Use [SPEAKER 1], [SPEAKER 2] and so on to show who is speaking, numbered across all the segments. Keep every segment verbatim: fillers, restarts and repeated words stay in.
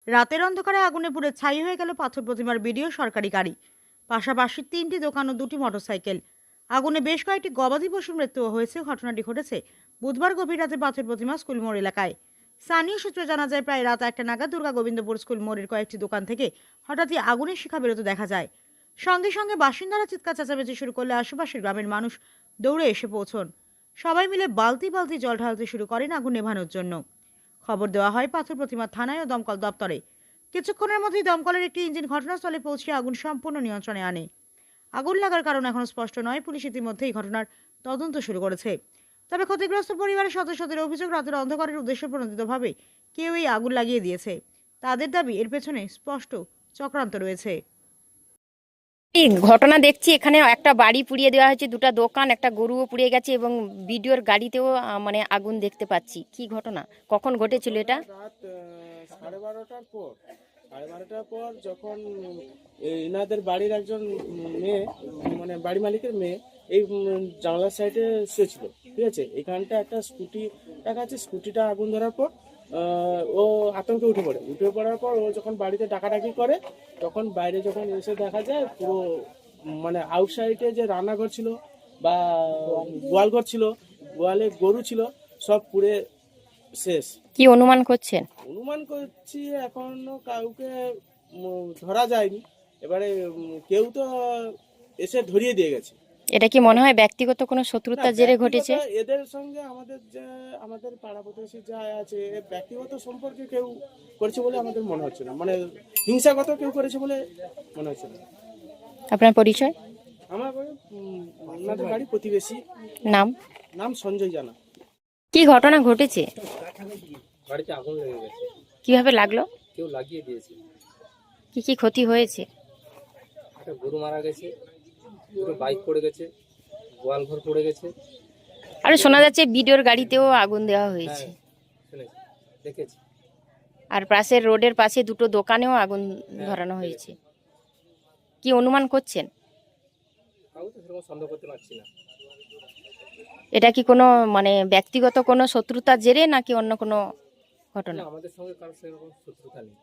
[SPEAKER 1] রাতের অন্ধকারে আগুনে পুড়ে ছাই হয়ে গেল পাথর প্রতিমার ভিডিও সরকারি গাড়ি, পাশাপাশি তিনটি দোকান ও দুটি মোটরসাইকেল। আগুনে বেশ কয়েকটি গবাদি পশুর মৃত্যুও হয়েছে। ঘটনাটি ঘটেছে বুধবার গভীর রাতে পাথর প্রতিমা স্কুল মোড় এলাকায়। স্থানীয় সূত্রে জানা যায়, প্রায় রাত একটা নাগাদ দুর্গা গোবিন্দপুর স্কুল মোড়ের কয়েকটি দোকান থেকে হঠাৎই আগুনের শিখা বেরোতে দেখা যায়। সঙ্গে সঙ্গে বাসিন্দারা চিৎকার চেঁচামেচি শুরু করলে আশেপাশের গ্রামের মানুষ দৌড়ে এসে পৌঁছন। সবাই মিলে বালতি বালতি জল ঢালতে শুরু করেন আগুন নেভানোর জন্য। খবর দেওয়া হয় পাথর প্রতিমা থানায় ও দমকল দপ্তরে। কিছুক্ষণের মধ্যেই দমকলের একটি ইঞ্জিন ঘটনাস্থলে পৌঁছে আগুন সম্পূর্ণ নিয়ন্ত্রণে আনে। আগুন লাগার কারণ এখনো স্পষ্ট নয়। পুলিশ ইতিমধ্যে এই ঘটনার তদন্ত শুরু করেছে। তবে ক্ষতিগ্রস্ত পরিবারের সদস্যদের অভিযোগ, রাতের অন্ধকারের উদ্দেশ্য প্রণোদিতভাবে কেউ এই আগুন লাগিয়ে দিয়েছে। তাদের দাবি, এর পেছনে স্পষ্ট চক্রান্ত রয়েছে।
[SPEAKER 2] ঘটনা দেখছি, এখানে একটা বাড়ি পুড়িয়ে দেওয়া হয়েছে, দুটো দোকান, একটা গরুও পুড়িয়ে গেছে এবং ভিডিওর গাড়িতেও আহ, মানে আগুন দেখতে পাচ্ছি। কি ঘটনা, কখন ঘটেছিল এটা?
[SPEAKER 3] রাত সাড়ে বারোটার পর সাড়ে বারোটার পর যখন এনাদের বাড়ির একজন মেয়ে, মানে বাড়ি মালিকের মেয়ে, এই জানলার সাইডে শুয়েছিল, ঠিক আছে। এখানটা একটা স্কুটি রাখা আছে, স্কুটিটা আগুন ধরার পর ও আতঙ্কে উঠে পড়ে উঠে পড়ার পর ও যখন বাড়িতে ডাকাডাকি করে, তখন বাইরে যখন এসে দেখা যায় পুরো মানে আউটসাইডে যে রান্নাঘর ছিল বা গোয়ালঘর ছিল, গোয়ালে গরু ছিল, সব পুড়ে শেষ।
[SPEAKER 2] কি অনুমান করছেন?
[SPEAKER 3] অনুমান করছি এখনো কাউকে ধরা যায়নি। এবারে কেউ তো এসে ধরিয়ে দিয়ে গেছে।
[SPEAKER 2] এটা কি মনে হয় ব্যক্তিগত কোনো শত্রুতার জেরে ঘটেছে?
[SPEAKER 3] এদের সঙ্গে আমাদের যে আমাদের পাড়া প্রতিবেশী যা আছে, ব্যক্তিগত সম্পর্কে কেউ করেছে বলে আমাদের মনে হচ্ছে না, মানে হিংসাগত কেউ করেছে বলে মনে হচ্ছে না।
[SPEAKER 2] আপনার পরিচয়?
[SPEAKER 3] আমার ওনাদের বাড়ি প্রতিবেশী।
[SPEAKER 2] নাম?
[SPEAKER 3] নাম সঞ্জয় জানা।
[SPEAKER 2] কি ঘটনা ঘটেছে?
[SPEAKER 4] বাড়িতে আগুন লেগে গেছে।
[SPEAKER 2] কিভাবে লাগলো?
[SPEAKER 4] কেউ লাগিয়ে দিয়েছে।
[SPEAKER 2] কি কি ক্ষতি হয়েছে?
[SPEAKER 4] একটা গরু মারা গেছে, দুটো বাইক পড়ে গেছে, গোয়াল ঘর পড়ে গেছে।
[SPEAKER 2] আর শোনা যাচ্ছে ভিডিওর গাড়িতেও আগুন দেওয়া হয়েছে।
[SPEAKER 4] হ্যাঁ, শুনেছি, দেখেছি।
[SPEAKER 2] আর পাশের রোডের পাশে দুটো দোকানেও আগুন ধরানো হয়েছে। কি অনুমান করছেন?
[SPEAKER 4] কাউকে তো সেরকম সন্দেহ করতে পারছি না।
[SPEAKER 2] এটা কি কোনো মানে ব্যক্তিগত কোনো শত্রুতার জেরে নাকি অন্য কোনো ঘটনা?
[SPEAKER 4] না, আমাদের সঙ্গে কারোর সেরকম শত্রুতা নেই।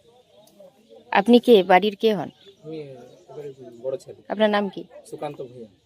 [SPEAKER 2] আপনি কে, বাড়ির কে হন?
[SPEAKER 4] আমি এবারে বড় ছেলে।
[SPEAKER 2] আপনার নাম কি?
[SPEAKER 4] সুকান্ত ভূঁইয়া।